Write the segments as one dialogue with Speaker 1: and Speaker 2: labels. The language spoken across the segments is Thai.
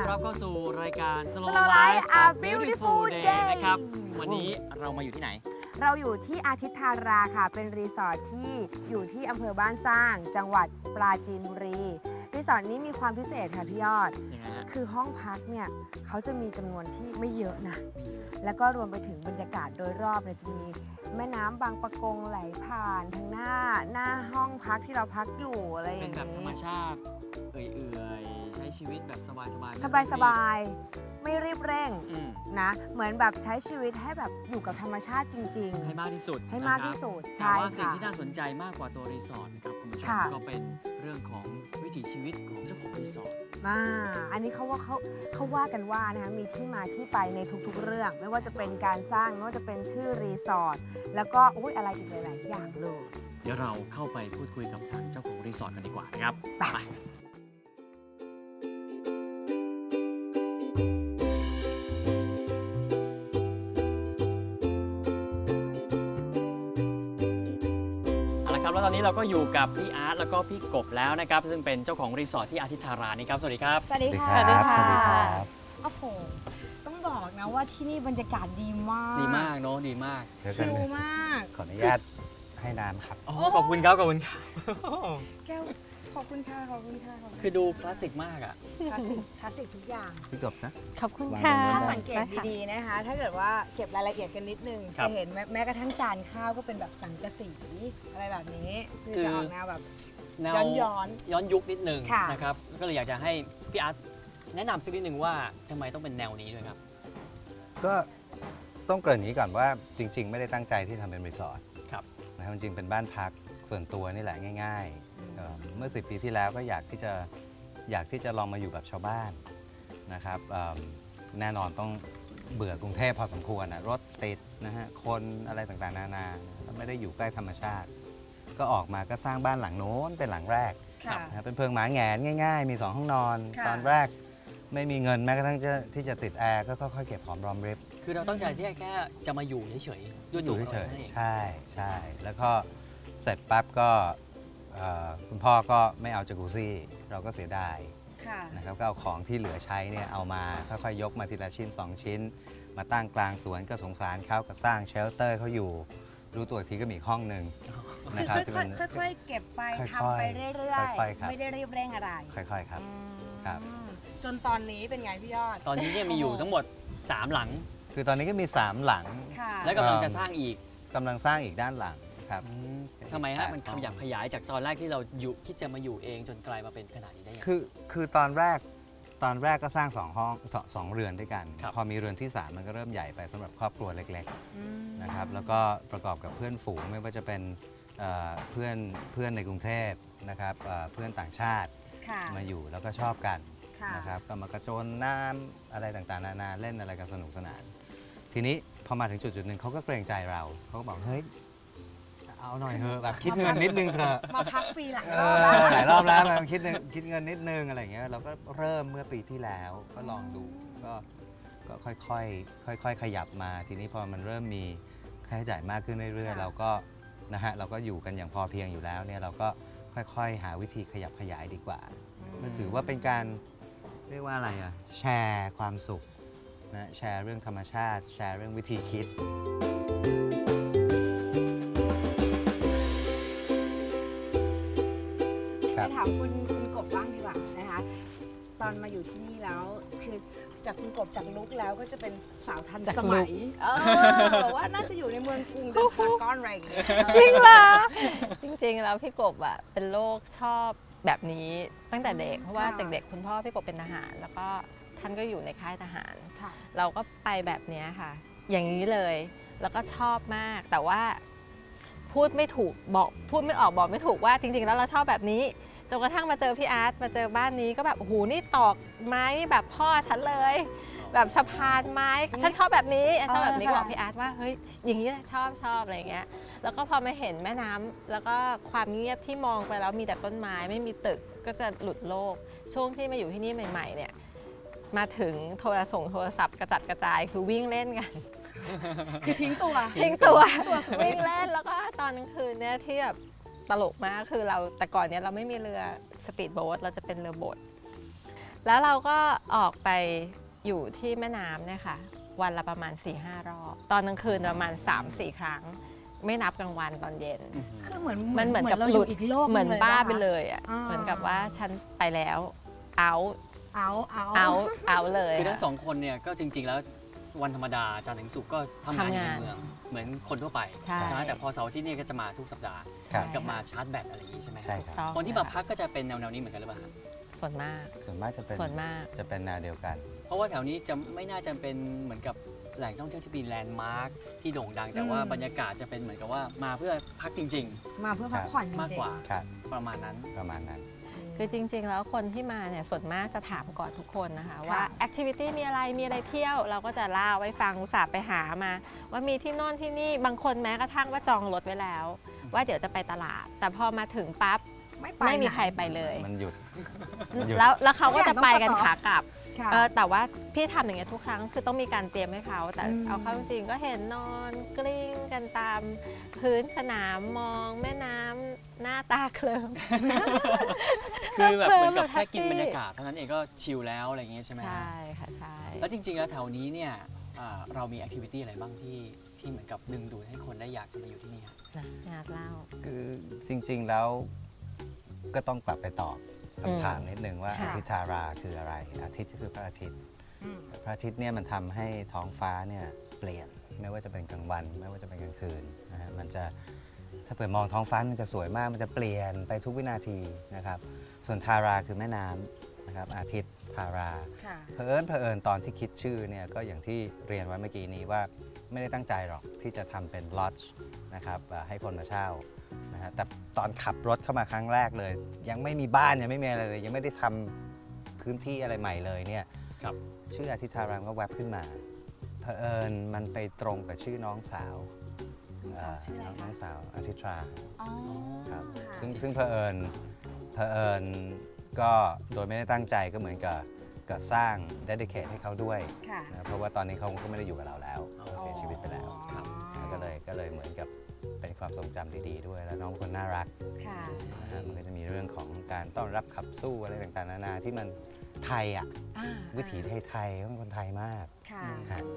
Speaker 1: รับเข้าสู่รายการ
Speaker 2: Slow Life a Beautiful Day
Speaker 1: นะครับวันนี้เรามาอยู่ที่ไหน
Speaker 2: เราอยู่ที่อาทิตย์ธาราค่ะเป็นรีสอร์ทที่อยู่ที่อำเภอบ้านสร้างจังหวัดปราจีนบุรีรีสอร์ทนี้มีความพิเศษค่ะพี่ยอด
Speaker 1: ยังไงฮะ
Speaker 2: คือห้องพักเนี่ยเขาจะมีจำนวนที่ไม่เยอะนะ
Speaker 1: ไม่เยอะ
Speaker 2: แล้วก็รวมไปถึงบรรยากาศโดยรอบเนี่ยจะมีแม่น้ำบางปะกงไหลผ่านทางหน้าห้องพักที่เราพักอยู่อะไรอ
Speaker 1: เป็
Speaker 2: ย่าน ง
Speaker 1: แบบธรรม
Speaker 2: นี้
Speaker 1: ชาติเอื่อยๆใช้ชีวิตแบบสบายๆ
Speaker 2: สบายๆไม่รีบเร่ง
Speaker 1: อืม
Speaker 2: นะเหมือนแบบใช้ชีวิตให้แบบอยู่กับธรรมชาติจริง
Speaker 1: ให้มากที่สุด
Speaker 2: ให้มากที่สุด
Speaker 1: นะครับ
Speaker 2: ใช่
Speaker 1: แต่ว่าสิ่ง
Speaker 2: ค่ะ
Speaker 1: ที่น่าสนใจมากกว่าตัวรีสอร์ทนะครับคุณผู้ชม
Speaker 2: ค่ะ
Speaker 1: ก็เป็นเรื่องของวิถีชีวิตของเจ้าของรีสอร์ท
Speaker 2: อันนี้เขาว่ากันว่านะคะมีที่มาที่ไปในทุกๆเรื่อง ไม่ว่าจะเป็นการสร้างไม่ว่าจะเป็นชื่อรีสอร์ทแล้วก็อะไรอีกหลายๆอย่างเลย
Speaker 1: เดี๋ยวเราเข้าไปพูดคุยกับทางเจ้าของรีสอร์ทกันดีกว่านะครับ
Speaker 2: ไป
Speaker 1: เอาละครับแล้วตอนนี้เราก็อยู่กับพี่อาร์ตแล้วก็พี่กบแล้วนะครับซึ่งเป็นเจ้าของรีสอร์ทที่อาทิตย์ธารานี่ครับสวัสดีครับ
Speaker 2: สวัสดีค่ะ
Speaker 3: สวัสดีครับสวัสดีครับ
Speaker 2: โอ้โหต้องบอกนะว่าที่นี่บรรยากาศดีมาก
Speaker 1: ดีมากเนาะดีมาก
Speaker 3: เดี๋ยว
Speaker 2: ชิลมาก
Speaker 3: ขออนุญาตให้น้ำครับ
Speaker 1: อ๋อขอบคุณครับขอบคุณครับ
Speaker 2: แก้วขอบคุณค่ะขอบคุณค่ะขอบคุณ
Speaker 1: คือดูคลาสสิกมากอ่ะ
Speaker 2: คลาสสิกทุกอย่าง
Speaker 3: พี่กบนะ
Speaker 4: ขอบคุณ
Speaker 3: วาง
Speaker 4: ค่ะ
Speaker 3: ไว้
Speaker 2: ถ้า
Speaker 3: ได้
Speaker 2: สังเกตดีๆนะคะ ถ้าเกิดว่าเก็บรายละเอียดกันนิดนึง
Speaker 1: ครับ
Speaker 2: จะเห็นแม้กระทั่งจานข้าวก็เป็นแบบสังกะสีอะไรแบบนี้คือจะออกแนวแบบ
Speaker 1: แนว
Speaker 2: ย้อน
Speaker 1: ย้อนยุคนิดนึง
Speaker 2: ค่ะ
Speaker 1: นะครับก็เลยอยากจะให้พี่อาร์ตแนะนำสักนิดนึงว่าทำไมต้องเป็นแนวนี้ด้วยครับ
Speaker 3: ก็ต้องเกริ่นอย่างนี้ก่อนว่าจริง ๆ ไม่ได้ตั้งใจที่ทำเป็นรีสอร์ท
Speaker 1: ครับ
Speaker 3: นะครับจริงๆเป็นบ้านพักส่วนตัวนี่แหละง่ายๆเมื่อ 10 ปีที่แล้วก็อยากที่จะลองมาอยู่แบบชาวบ้านนะครับแน่นอนต้องเบื่อกรุงเทพพอสมควรนะรถติดนะฮะคนอะไรต่างๆนานาแล้วไม่ได้อยู่ใกล้ธรรมชาติ ก็ออกมาก็สร้างบ้านหลังโน้นเป็นหลังแรก
Speaker 2: ๆค่ะ
Speaker 3: นะครับเป็นเพิงหมาแหงนง่ายๆ มี 2 ห้องนอน
Speaker 2: ค่ะ
Speaker 3: ตอนแรกไม่มีเงินแม้กระทั่งที่จะติดแอร์ก็ค่อยๆเก็บหอมรอมริบ
Speaker 1: คือเราตั้งใจที่แค่จะมาอยู่เฉยๆด้วย
Speaker 3: อ
Speaker 1: ตัว
Speaker 3: ยู่
Speaker 1: เรา
Speaker 3: เฉย
Speaker 1: นั่นเอง
Speaker 3: ๆใช่ใช่แล้วก็เสร็จปั๊บก็คุณพ่อก็ไม่เอาจากุซี่เราก็เสียดาย
Speaker 2: ค่ะ
Speaker 3: นะครับก็เอาของที่เหลือใช้เนี่ยเอามาค่อยๆยกมาทีละชิ้น 2 ชิ้น มาตั้งกลางสวนก็สงสารเขาก็สร้างเชลเตอร์เขาอยู่รู้ตัวอีกทีก็มีอีกห้องหนึ่ง
Speaker 2: คือ
Speaker 3: นะครับจะเป็น
Speaker 2: ค่อยๆเก็บไป
Speaker 3: ค่อยๆ
Speaker 2: ทำไปเรื่อย
Speaker 3: ค่อยๆครับ
Speaker 2: ไม่ได้รีบเร่งอะไร
Speaker 3: ค่อยๆครับ
Speaker 2: อืม
Speaker 3: ครับ
Speaker 2: จนตอนนี้เป็นไงพี่ยอด
Speaker 1: ตอนนี้เนี่ยมีอยู่ทั้งหมด 3 หลัง
Speaker 3: คือตอนนี้ก็มี 3 หลัง
Speaker 2: ค่ะ
Speaker 1: และกำลังจะสร้างอีก
Speaker 3: กำลังสร้างอีกด้านหลังครับ
Speaker 1: ทำไมฮะมัน
Speaker 3: 8
Speaker 1: ขยับขยายจากตอนแรกที่เราอยู่ที่จะมาอยู่เองจนกลายมาเป็นขนาดนี้ได้ยังไง
Speaker 3: คือตอนแรกก็สร้าง2ห้อง2เรือนด้วยกัน
Speaker 1: ครับ
Speaker 3: พอมีเรือนที่ 3 มันก็เริ่มใหญ่ไปสำหรับครอบครัวเล็ก
Speaker 2: อืม
Speaker 3: ๆนะครับแล้วก็ประกอบกับเพื่อนฝูงไม่ว่าจะเป็นเพื่อนในกรุงเทพนะครับเพื่อนต่างชาติ
Speaker 2: ค่ะ
Speaker 3: มาอยู่แล้วก็ชอบกัน
Speaker 2: ค่ะ
Speaker 3: นะครับก็มากระโจนน้ำอะไรต่างๆนานาเล่นอะไรกันสนุกสนาน ทีนี้พอมาถึงจุดหนึ่งเขาก็เกรงใจเราเขาก็บอกเฮ้ยเอาหน่อยเถอะแบบคิดเงินนิดนึงเถอะ
Speaker 2: มาพักฟรีหลาย
Speaker 3: เอ
Speaker 2: รอบแล้ว
Speaker 3: หลายรอบแล้วมันคิดเงินนิดนึงอะไรอย่างเงี้ยเราก็เริ่มเมื่อปีที่แล้วก็ลองดูก็ค่อยๆขยับมาทีนี้พอมันเริ่มมีค่าใช้จ่ายมากขึ้นเรื่อยๆ เราก็นะฮะเราก็อยู่กันอย่างพอเพียงอยู่แล้วเนี่ยเราก็ค่อยๆ หาวิธีขยับขยายดีกว่ามันถือว่าเป็นการเรียกว่าอะไรอะแชร์ความสุขนะแชร์เรื่องธรรมชาติ แชร์เรื่องวิธีคิด
Speaker 2: ไปถามคุณกบบ้างดีกว่านะคะ ตอนมาอยู่ที่นี่แล้วคือจากคุณกบจากลุกแล้วก็จะเป็นสาวทัน
Speaker 4: จาก
Speaker 2: ส
Speaker 4: ลุ
Speaker 2: มั
Speaker 4: ค
Speaker 2: ยแบบว่าน่าจะอยู่ในเมืองกรุงเดินพารากอนอะไรอย่างเงี้ย
Speaker 4: จริงเหรอ จริงๆแล้วพี่กบอ่ะเป็นโรคชอบแบบนี้ตั้งแต่เด็กเพราะว่าเด็กๆคุณพ่อพี่กบเป็นทหาร แล้วก็ท่านก็อยู่ในค่ายทหาร
Speaker 2: ค่ะ
Speaker 4: เราก็ไปแบบเนี้ยค่ะ อย่างนี้เลย แล้วก็ชอบมาก แต่ว่าพูดไม่ถูกพูดไม่ออกบอกไม่ถูกว่าจริงๆแล้วเราชอบแบบนี้จนกระทั่งมาเจอพี่อาร์ตมาเจอบ้านนี้ก็แบบโอ้โหนี่ตอกไม้นี่แบบพ่อฉันเลย แบบสะพานไม้ฉันชอบแบบนี้ชอบแบบนี้ก็บอกพี่อาร์ตว่าเฮ้ยอย่างนี้แหละชอบอะไรอย่างเงี้ยแล้วก็พอมาเห็นแม่น้ำแล้วก็ความเงียบที่มองไปแล้วมีแต่ต้นไม้ไม่มีตึกก็จะหลุดโลกช่วงที่มาอยู่ที่นี่ใหม่ๆเนี่ยมาถึงโทรศัพท์กระจัดกระจายคือวิ่งเล่นกัน
Speaker 2: คือทิ้งตัว
Speaker 4: ทิ้งตัววิ่งเล่นแล้วก็ตอนกลางคืนเนี่ยที่แบบตลกมากคือเราแต่ก่อนเนี่ยเราไม่มีเรือสปีดโบ๊ทเราจะเป็นเรือโบ๊ทแล้วเราก็ออกไปอยู่ที่แม่น้ำเนี่ยค่ะวันละประมาณ 4-5 รอบ ตอนกลางคืนประมาณ 3-4 ครั้ง ไม่นับกลางวันตอนเย็น
Speaker 2: คือเหมือน
Speaker 4: มันเหมือนกับ
Speaker 2: เรา
Speaker 4: ห
Speaker 2: อ
Speaker 4: ลุ
Speaker 2: ยู่
Speaker 4: ด
Speaker 2: อีกโลก
Speaker 4: เหมือน
Speaker 2: ง
Speaker 4: บ้า
Speaker 2: ปะ
Speaker 4: ไป
Speaker 2: คะ
Speaker 4: เลยอ่ะ
Speaker 2: อ่า
Speaker 4: เหมือนกับว่าฉันไปแล้วเอา เอาเลย
Speaker 1: คือทั้ง
Speaker 4: ค่ะ
Speaker 1: สองคนเนี่ยก็จริง ๆ แล้ววันธรรมดาจันทร์ถึงศุกร์ก็ทำงานอยู่
Speaker 4: ทำงาน
Speaker 1: ในเมืองเหมือนคนทั่วไป
Speaker 4: ใช่
Speaker 1: ไหมแต่พอเสาร์อาที่นี่ก็จะมาทุกสัปดาห์
Speaker 3: ครับ
Speaker 1: กับมาชาร์จแบตอะไรอย่างนี้ใช่ไหม
Speaker 3: ใช่ครับ
Speaker 4: ต้อง
Speaker 1: คนที่มาพักก็จะเป็นแนวๆนี้เหมือนกันหรือเปล่าครับ
Speaker 4: ส่วนมาก
Speaker 3: ส่วนมากจะเป็น
Speaker 4: ส่วนมาก
Speaker 3: จะเป็นแนวเดียวกัน
Speaker 1: เพราะว่าแถวนี้จะไม่น่าจะเป็นเหมือนกับแหล่งท่องเที่ยวที่มีแลนด์มาร์คที่โด่งดัง แต่ว่าบรรยากาศจะเป็นเหมือนกับว่ามาเพื่อพักจริง
Speaker 2: มาเพื่อพักผ่อนจริงๆ
Speaker 1: ๆ มากกว่า
Speaker 3: ครับ
Speaker 1: ประมาณนั้น
Speaker 3: ประมาณนั้น
Speaker 4: คือจริง ๆ แล้วคนที่มาเนี่ยส่วนมากจะถามก่อนทุกคนนะคะ
Speaker 2: ค่ะ
Speaker 4: ว่าแอคทิวิตี้มีอะไรเที่ยว เราก็จะเล่าไว้ฟังอุตส่าห์ไปหามา ว่ามีที่โน่นที่นี่บางคนแม้กระทั่งว่าจองรถไว้แล้ว ว่าเดี๋ยวจะไปตลาด แต่พอมาถึงปั๊บ
Speaker 2: ไป
Speaker 4: ไม่มี
Speaker 2: หน
Speaker 4: ใครไปเลย
Speaker 3: มันหยุด หยุด
Speaker 4: แล้วเขาก็จะไปกัน
Speaker 2: ทุกอย่างต้อง
Speaker 4: ขากลับ
Speaker 2: ค่ะ
Speaker 4: แต่ว่าพี่ทำอย่างเงี้ยทุกครั้งคือต้องมีการเตรียมให้เขาแต่
Speaker 2: อืม
Speaker 4: เอาเข้าจริงๆก็เห็นนอนกลิ้งกันตามพื้นสนามมองแม่น้ำหน้าตาเคลิ้ม
Speaker 1: คือแบบเหมือนกับ
Speaker 4: เคลิ้ม
Speaker 1: แค่กิน
Speaker 4: แฮปปี้
Speaker 1: บรรยากาศเท่านั้นเองก็ชิลแล้วอะไรอย่างเงี้ยใช่ไหมฮะ
Speaker 4: ใช่ค่ะใช่
Speaker 1: แล้วจริง ๆ แล้วแถวนี้เนี่ยเรามีแอคทิวิตี้อะไรบ้างที่เหมือนกับดึงดูดให้คนได้อยากจะมาอยู่ที่นี่ครับ
Speaker 4: นะงานเล่า
Speaker 3: คือจริงๆแล้วก็ต้องกลับไปตอบคำถามนิดนึงว่า
Speaker 2: ค่ะ
Speaker 3: อาทิตย์ธาราคืออะไร อาทิตย์ก็คือพระอาทิตย์
Speaker 2: อืม
Speaker 3: พระอาทิตย์เนี่ยมันทำให้ท้องฟ้าเนี่ยเปลี่ยนไม่ว่าจะเป็นกลางวัน ไม่ว่าจะเป็นกลางคืนนะฮะมันจะถ้าเปิดมองท้องฟ้ามันจะสวยมากมันจะเปลี่ยนไปทุกวินาทีนะครับส่วนทาราคือแม่น้ำนะครับอาทิตย์ทารา
Speaker 2: ค่ะ
Speaker 3: เผอิญตอนที่คิดชื่อเนี่ยก็อย่างที่เรียนไว้เมื่อกี้นี้ว่าไม่ได้ตั้งใจหรอกที่จะทำเป็นลอดจ์นะครับให้คนมาเช่านะฮะแต่ตอนขับรถเข้ามาครั้งแรกเลย ยังไม่มีบ้านยังไม่มีอะไรเลยยังไม่ได้ทำพื้นที่อะไรใหม่เลยเนี่ย
Speaker 1: ครับ
Speaker 3: ชื่ออาทิตย์ธารามก็แวบขึ้นมาเผอิญมันไปตรงกับชื่อน้องสาว
Speaker 2: น้องสาวชื่ออะไรคะ
Speaker 3: น้องสาวอาทิตย์รา
Speaker 2: อ๋อ
Speaker 3: ครับ
Speaker 2: ค่ะ
Speaker 3: ซึ่งเผอิญก็โดยไม่ได้ตั้งใจก็เหมือนกับสร้าง dedicate ให้เขาด้วย
Speaker 2: ค่ะ
Speaker 3: นะเพราะว่าตอนนี้เขาก็ไม่ได้อยู่กับเราแล้วเขาเสียชีวิตไปแล้ว
Speaker 1: ครับ
Speaker 3: ก็เลยเหมือนกับเป็นความทรงจำดีๆด้วย แล้วน้องคนน่ารัก
Speaker 2: ค่ะ
Speaker 3: นะฮะมันก็จะมีเรื่องของการต้อนรับขับสู้อะไรต่างๆนานาที่มันไทยอ่ะ
Speaker 2: อ่า
Speaker 3: วิถีไทยๆเขาเป็นคนไทยมาก
Speaker 2: ค่ะ
Speaker 3: ฮะ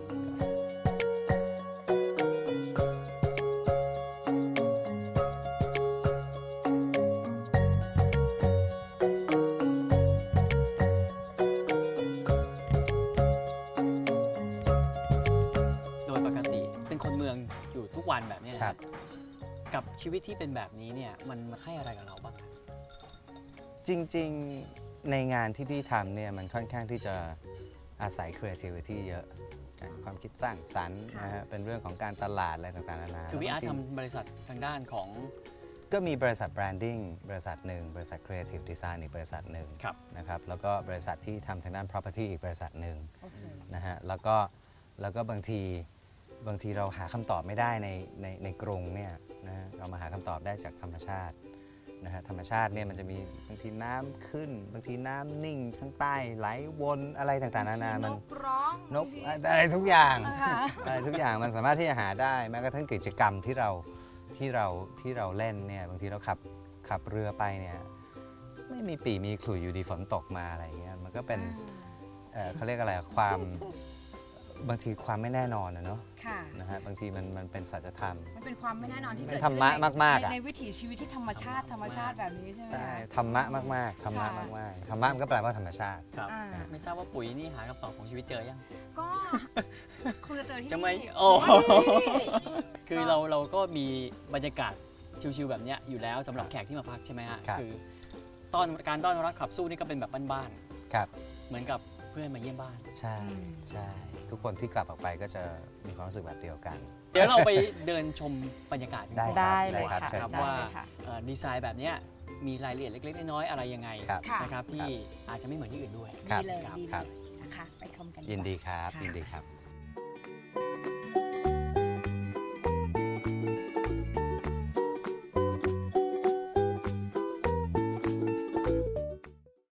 Speaker 1: โดยปกติเป็นคนเมืองอยู่ทุกวันแบบเนี้ย
Speaker 3: ครับ
Speaker 1: กับชีวิตที่เป็นแบบนี้เนี่ยมันให้อะไรกับเราบ้างครับ
Speaker 3: จริงๆในงานที่พี่ทำเนี่ยมันค่อนข้างที่จะอาศัย creativity เยอะความคิดสร้างสรรค์นะฮะเป็นเรื่องของการตลาดอะไรต่างๆนานา
Speaker 1: คือพี่อาร์ต
Speaker 3: แล้วบงที
Speaker 1: ทำบริษัททางด้านของ
Speaker 3: ก็มีบริษัทแบรนดิ้งบริษัทหนึ่งบริษัท Creative Design อีกบริษัทหนึ่ง
Speaker 1: ครับ
Speaker 3: นะครับแล้วก็บริษัทที่ทำทางด้าน property อีกบริษัทหนึ่ง
Speaker 2: โอเค
Speaker 3: นะฮะแล้วก็บางทีเราหาคำตอบไม่ได้ในกรุงเนี่ยนะฮะเรามาหาคำตอบได้จากธรรมชาตินะฮะธรรมชาติเนี่ยมันจะมีบางทีน้ำขึ้น บางทีน้ำนิ่งข้างใต้ไหลวนอะไรต่างๆนานามัน
Speaker 2: นกร้อง
Speaker 3: นกอะไรทุกอย่าง
Speaker 2: ค่ะ
Speaker 3: อะไรทุกอย่างมันสามารถที่จะหาได้แม้กระทั่งกิจกรรมที่เราเล่นเนี่ยบางทีเราขับเรือไปเนี่ยไม่มีปีมีขลุ่ยอยู่ดีฝนตกมาอะไรอย่างเงี้ยมันก็เป็นเขาเรียกอะไรบางทีความไม่แน่นอนนะเนาะ
Speaker 2: ค่ะ
Speaker 3: นะฮะบางทีมันเป็นสัจธรรม
Speaker 2: มันเป็นความไม่แน่นอนที่
Speaker 3: มัน
Speaker 2: เกิด
Speaker 3: ธรรมะ
Speaker 2: ขึ้น
Speaker 3: มากๆอะ
Speaker 2: ในวิถีชีวิตที่ธรรมชาติแบบนี้ใช่ไหม
Speaker 3: ใช่
Speaker 2: คะ
Speaker 3: ธรรมะมากๆธรรมะ
Speaker 2: ค่ะ
Speaker 3: มากๆธรรมะมันก็แปลว่าธรรมชาติ
Speaker 1: ครับ
Speaker 2: อ่า
Speaker 1: ไม่ทราบว่าปุ๋ยนี่หาคำตอบของชีวิตเจอยัง
Speaker 2: ก็คงจะเจอที่
Speaker 1: จะไม่
Speaker 2: นี่
Speaker 1: โอ้
Speaker 2: นี่
Speaker 1: คือเราก็มีบรรยากาศชิลๆแบบเนี้ยอยู่แล้วสำหรับแขกที่มาพักใช่ไหมฮะ
Speaker 3: ครับ
Speaker 1: คือการต้อนรับขับสู้นี่ก็เป็นแบบบ้าน
Speaker 3: ครับ
Speaker 1: ๆเหมือนกับเพื่อนมาเยี่ยมบ้าน
Speaker 3: ใช่ใช่ทุกคนที่กลับออกไปก็จะมีความรู้สึกแบบเดียวกัน
Speaker 1: เดี๋ยวเราไปเดินชมบรรยากาศกัน
Speaker 3: ได้
Speaker 1: ก่อน
Speaker 4: ได้
Speaker 3: ได้
Speaker 4: เลย
Speaker 3: ครับ
Speaker 4: ค่ะ
Speaker 3: เชิญ
Speaker 1: ครับ
Speaker 4: ได้
Speaker 1: ว่า
Speaker 4: เลยค่ะ
Speaker 1: ดีไซน์แบบเนี้ยมีรายละเอียดเล็กๆน้อยๆอะไรยังไง
Speaker 3: ครับ
Speaker 2: ค่ะ
Speaker 1: นะครับที่อาจจะไม่เหมือนที่อื่นด้วย
Speaker 3: ครับ
Speaker 2: ดีเลย
Speaker 1: ครับ
Speaker 2: ดี
Speaker 3: ค
Speaker 2: เล
Speaker 3: รับ
Speaker 2: ยนะคะ ไปชมกัน
Speaker 3: ยินดี
Speaker 2: กว่า
Speaker 3: ครับ
Speaker 2: ค่ะ
Speaker 3: ยินดีครับ